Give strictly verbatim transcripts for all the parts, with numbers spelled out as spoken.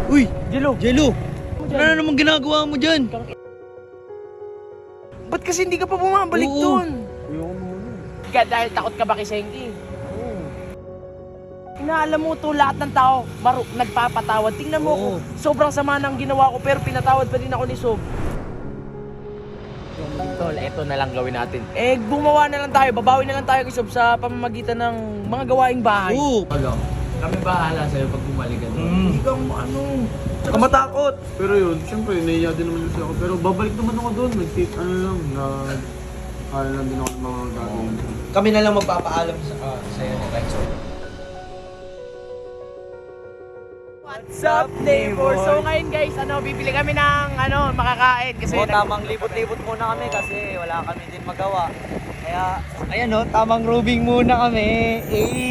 Uy! Jello! Jello! Ano na naman ginagawa mo dyan? Ba't kasi hindi ka pa bumabalik Oo. doon? Ayoko muna. Ka, dahil takot ka ba kay Senki? Inaalam mo to, lahat ng tao maru nagpapatawad. Tingnan mo Oo. ko, sobrang sama ng ginawa ko pero pinatawad pa din ako ni Sob. Tol, eto na lang gawin natin. Eh, gumawa na lang tayo, babawi na lang tayo kay Sob sa pamamagitan ng mga gawaing bahay. Oo! Tolo, kami bahala sa'yo pag bumalik ka doon. Mm. Hindi kang ano... Saka matakot. Pero yun, syempre, naiya din naman kasi ako. Pero babalik naman ako doon. Nag-take, ano lang, na... Kaya lang din ako ng mga gagawin. Kami na lang magpapaalam sa, uh, sa'yo ni Rexo. What's up, neighbor? So ngayon guys, ano, bibili kami ng ano, makakain kasi Oo, tamang libot-libot muna kami kasi wala kami din magawa. Kaya, ayan o, tamang rubing muna kami.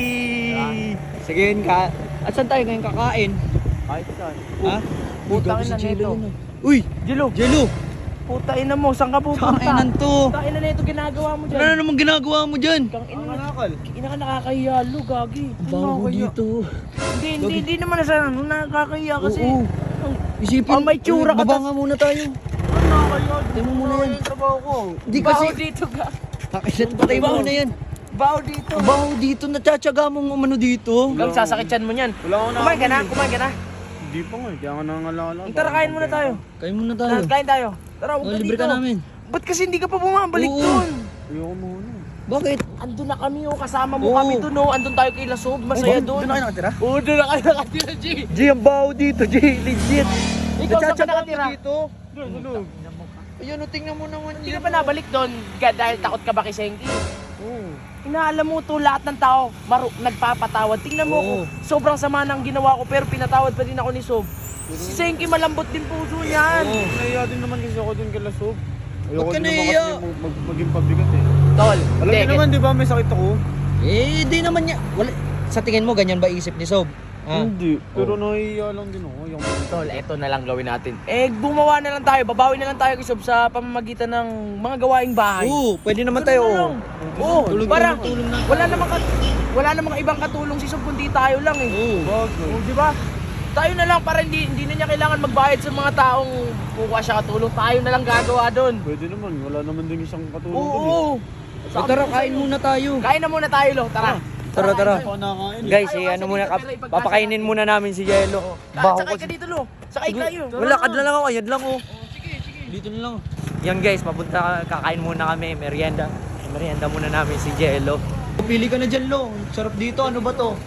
Eh. Sige yun ka. At saan tayo ngayon kakain? Kahit saan. Ha? Putang Uy, ina si Jello nito. yun, ah. Uy! Jello, Jello! puta ina mo, saan ka pupunta? Kainan to! Puta ina na ito ginagawa mo Ano na dyan. naman ginagawa mo dyan? Kang ina Ang na, nakakal. ina ka nakakahiya, lo, gagi. Ano Bago nakakahiya? dito. Hindi, hindi, hindi naman na sana nakakahiya kasi. Oo. Isipin, Ah, may tsura ka, Baba tas- nga muna tayo. Ano nakakahiya? Tayo mo muna yan. Yung trabaho ko. Hindi kasi, Baho dito ka. kakisat pa tayo Baho. muna yan. Baho dito. Baho dito, natsatsyaga mong umano dito. Gang sasakityan mo niyan. Wala akong Kumain ka na, nakakal. kumain ka na. Hindi pa nga, kaya nga nangalala. Tara, kain muna tayo. Kain muna tayo. Tara, kain tayo. Tara, huwag Oh, ka libre dito. ka namin. Ba't kasi hindi ka pa bumabalik Oo. doon? Ayoko muna. Bakit? Andun na kami, oh, kasama mo Oo. kami doon, oh. Andun tayo kay Lasob, masaya doon. Doon na kayo nakatira? Oo, doon na kayo nakatira, G. G, ang baho dito, G. Legit. Ikaw saan ka Natsatsyaga nakatira? mo dito. Doon, doon. Ayan, o, tingnan mo naman. Hindi ka pa nabalik doon ga- dahil takot ka ba kay Senki? Oo. Inaalam mo to, lahat ng tao maru nagpapatawad. Tingnan mo ko, Oo. sobrang sama ng ginawa ko pero pinatawad pa din ako ni Sob. Si Senki malambot din puso niyan. Oo. Naiya din naman kasi ako doon kay Lasob. Ayoko Ba't ka din naman naiya? kasi mag- mag- maging pabigat eh. Tol, Alam niyo naman, di ba, may sakit ako? Eh, di naman niya. Wala. Sa tingin mo, ganyan ba isip ni Sob? Ha? Hindi. Pero naiya lang din ako. Ayoko muna. Tol, eto na lang gawin natin. Eh, gumawa na lang tayo, babawi na lang tayo kay Sob sa pamamagitan ng mga gawaing bahay. Oo, pwede naman Ganun tayo. na Oo. lang. Oo, Tulong parang na, tulong na. wala namang kat- wala namang ibang katulong si Sob kundi tayo lang eh. Oo. Bagay. Oh, di ba? Tayo na lang para hindi hindi na niya kailangan magbayad sa mga taong kukuha siya katulong. Tayo na lang gagawa doon. Pwede naman. Wala naman din isang katulong Oo. doon eh. oo. Eh, tara, kain muna tayo. Kain na muna tayo, lo. Tara. Tara, tara. Ako nakain eh. Guys, Ayaw eh, kasi ano muna, dito, kap- pero ipagkasya papakainin muna namin si Jello. Baho Baho Sakay kasi. ka dito, lo. Sakay kayo. Wala, kad na lang ako, ayan lang oh. Sige, sige. Dito na lang. Yan guys, papunta, kakain muna kami, merienda. Merienda muna namin si Jello. Pili ka na dyan, Lo. Sarap dito, ano ba to?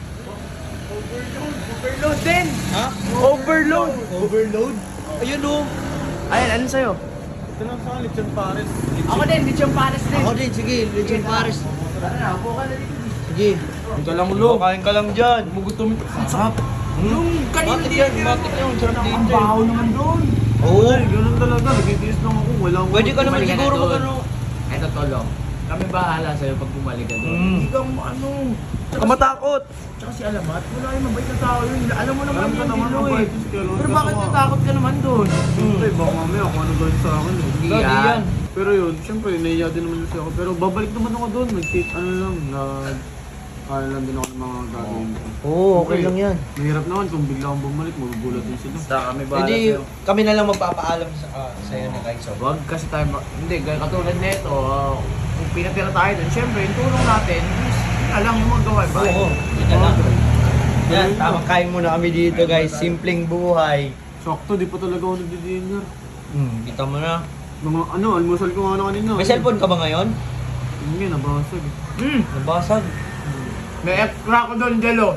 Overload din. Ha? Overload. Overload? Ayun oh. Ayan, ano sa'yo? Ito lang sa akin, Lechon Pares. Ako din, Lechon Pares din. Ako din, sige, Lechon Pares. Tara na, upo ka na dito. Sige. Ito lang Kain ka lang dyan. Mugutom ito. Ang sarap. Yung kanina Matik din. yan, matik yan. Sarap Ang dito. baho naman doon. Oo. Ay, ganun talaga. Nagtitiis lang ako. Wala akong... Pwede ka naman Bumalik ka siguro na doon. mag-ano. Eto, Tolo. Kami bahala sa'yo pag bumalik ka doon. Mm. Hindi kang ano. Kamatakot. Tsaka si Alamat, wala yung mabait na tao yun. Alam mo naman Alam ko yun, naman, Dilo mabait eh. yun si Kelo. Pero Kaso bakit nga- natakot ka naman doon? Siyempre, baka mamaya kung ano gawin sa akin eh. Hindi Hindi yan. yan. Pero yun, siyempre, naiya din naman kasi ako. Pero babalik naman ako doon. Nag-take, ano lang, na... Kaya lang din ako ng mga gagawin ko. Oo, okay lang yan. Mahirap naman kung bigla akong bumalik, magugulat din sila. Basta kami bahala Pwede, sa'yo. kami na lang magpapaalam sa, uh, sa'yo ni Rexo. Wag kasi tayo, ma- hindi, gaya katulad nito, uh, kung pinatira tayo doon, syempre, yung tulong natin, is, alam yung mga gawain ba? Oo, yun na lang. Yan, tamang kain muna kami dito guys. Simpleng buhay. Sakto, di pa talaga ako nagdi-dinner. Hmm, kita mo na. Mga ano, almusal ko nga na kanina. May cellphone ka ba ngayon? Hindi, nabasag eh. Hmm, Nabasag. may extra ko doon, Jello.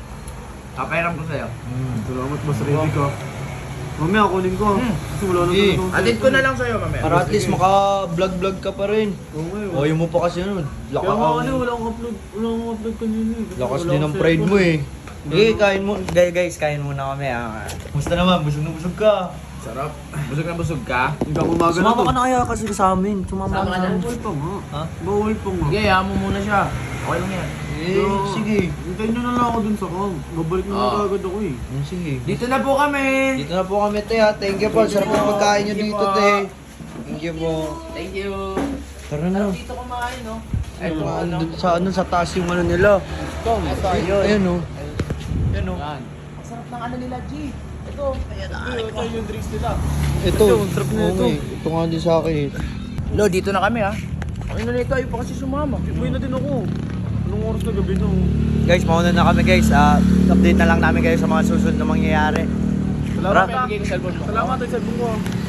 Kapairam ko sa'yo. Hmm. Salamat, mas ready ka. Mamaya, kunin ko. Hmm. Kasi wala na Sige. talaga akong Atid ko cellphone. na lang sa'yo, mamaya. Para at least maka-vlog-vlog ka pa rin. Oo nga eh. O, yung mo pa kasi ano. Kaya Laka nga ang... ano, wala akong upload. Wala akong upload kanina eh. Kasi Lakas wala din akong ng pride mo cellphone. eh. Sige, kain mo. Guys, guys, kain muna kami ah. Musta naman? Busog na busog ka. Sarap. Busog na busog ka? Hanggang umaga na Sumama to. ka na kaya kasi sa amin. Sumama Sama ka ka na. na. Bawal pa nga. Ha? Bawal pa nga. Sige, hayaan mo muna siya. Okay lang yan. Eh, Pero, sige. Hintayin nyo na lang ako dun sa camp. Babalik na Ah. lang agad ako eh. Hmm, sige. Dito na po kami. Dito na po kami, te ha. Thank you po. Sarap ng pagkain nyo Thank you dito, po. te. Thank you po. Thank you. Tara na. Dito kumain, no? Ay, Eto, ano? sa ano, sa taas yung ano nila. Ito, Ayun, oh. Ayun, oh. Yan. Ang sarap ng ano nila, G. Ito. Ito, ito yung drinks nila. Ito, sarap na ito. okay. Ito nga din sa akin eh. Lo, dito na kami ha. Ay na nito, ayaw pa kasi sumama. Uwi na din ako. Anong oras na gabi na? Guys, mauna na kami guys. Ah, update na lang namin kayo sa mga susunod na mangyayari. Salamat Tara. tayo. Salamat tayo sa bungo.